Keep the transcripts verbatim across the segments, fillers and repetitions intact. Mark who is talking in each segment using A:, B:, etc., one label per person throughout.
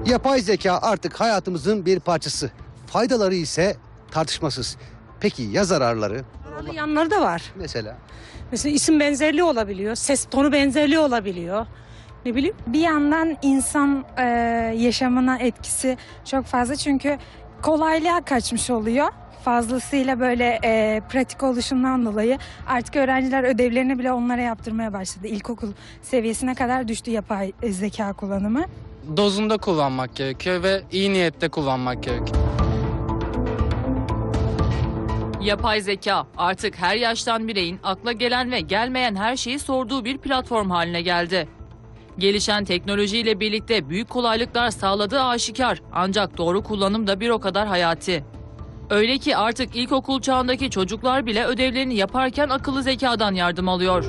A: Yapay zeka artık hayatımızın bir parçası. Faydaları ise tartışmasız. Peki ya zararları?
B: Zararlı yanları da var.
A: Mesela?
B: Mesela isim benzerliği olabiliyor, ses tonu benzerliği olabiliyor. Ne bileyim.
C: Bir yandan insan e, yaşamına etkisi çok fazla çünkü kolaylığa kaçmış oluyor. Fazlasıyla böyle e, pratik oluşundan dolayı artık öğrenciler ödevlerini bile onlara yaptırmaya başladı. İlkokul seviyesine kadar düştü yapay zeka kullanımı.
D: Dozunda kullanmak gerekiyor ve iyi niyette kullanmak gerekiyor.
E: Yapay zeka artık her yaştan bireyin akla gelen ve gelmeyen her şeyi sorduğu bir platform haline geldi. Gelişen teknolojiyle birlikte büyük kolaylıklar sağladığı aşikar, ancak doğru kullanım da bir o kadar hayati. Öyle ki artık ilkokul çağındaki çocuklar bile ödevlerini yaparken akıllı zekadan yardım alıyor.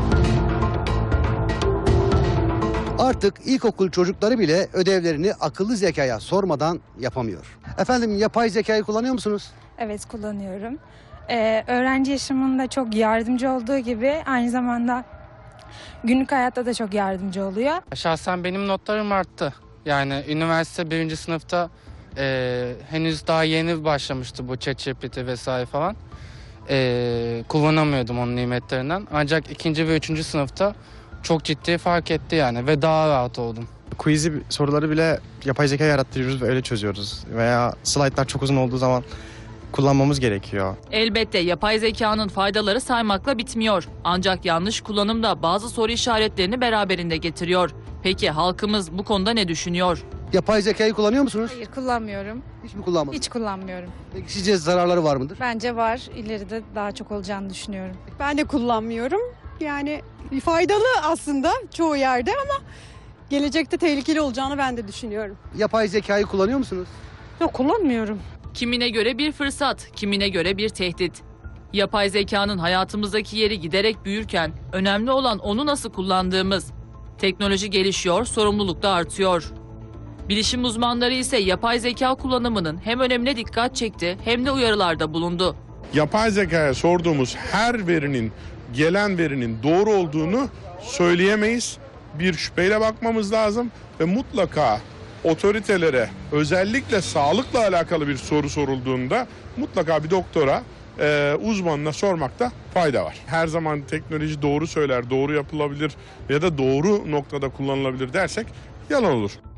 A: Artık ilkokul çocukları bile ödevlerini akıllı zekaya sormadan yapamıyor. Efendim, yapay zekayı kullanıyor musunuz?
C: Evet, kullanıyorum. E, öğrenci yaşamında çok yardımcı olduğu gibi aynı zamanda günlük hayatta da çok yardımcı oluyor.
D: Şahsen benim notlarım arttı. Yani üniversite birinci sınıfta e, henüz daha yeni başlamıştı bu ChatGPT vesaire falan. E, kullanamıyordum onun nimetlerinden. Ancak ikinci ve üçüncü sınıfta çok ciddi fark etti yani ve daha rahat oldum.
F: Quiz'i soruları bile yapay zeka yarattırıyoruz ve öyle çözüyoruz. Veya slaytlar çok uzun olduğu zaman kullanmamız gerekiyor.
E: Elbette yapay zekanın faydaları saymakla bitmiyor. Ancak yanlış kullanım da bazı soru işaretlerini beraberinde getiriyor. Peki halkımız bu konuda ne düşünüyor?
A: Yapay zekayı kullanıyor musunuz?
G: Hayır, kullanmıyorum.
A: Hiç mi kullanmadınız?
G: Hiç kullanmıyorum.
A: Peki sizce zararları var mıdır?
G: Bence var. İleride daha çok olacağını düşünüyorum.
H: Ben de kullanmıyorum. Yani faydalı aslında çoğu yerde ama gelecekte tehlikeli olacağını ben de düşünüyorum.
A: Yapay zekayı kullanıyor musunuz?
B: Yok, kullanmıyorum.
E: Kimine göre bir fırsat, kimine göre bir tehdit. Yapay zekanın hayatımızdaki yeri giderek büyürken önemli olan onu nasıl kullandığımız. Teknoloji gelişiyor, sorumluluk da artıyor. Bilişim uzmanları ise yapay zeka kullanımının hem önemine dikkat çekti hem de uyarılarda bulundu.
I: Yapay zekaya sorduğumuz her verinin, gelen verinin doğru olduğunu söyleyemeyiz. Bir şüpheyle bakmamız lazım ve mutlaka otoritelere, özellikle sağlıkla alakalı bir soru sorulduğunda mutlaka bir doktora, e, uzmanına sormakta fayda var. Her zaman teknoloji doğru söyler, doğru yapılabilir ya da doğru noktada kullanılabilir dersek yalan olur.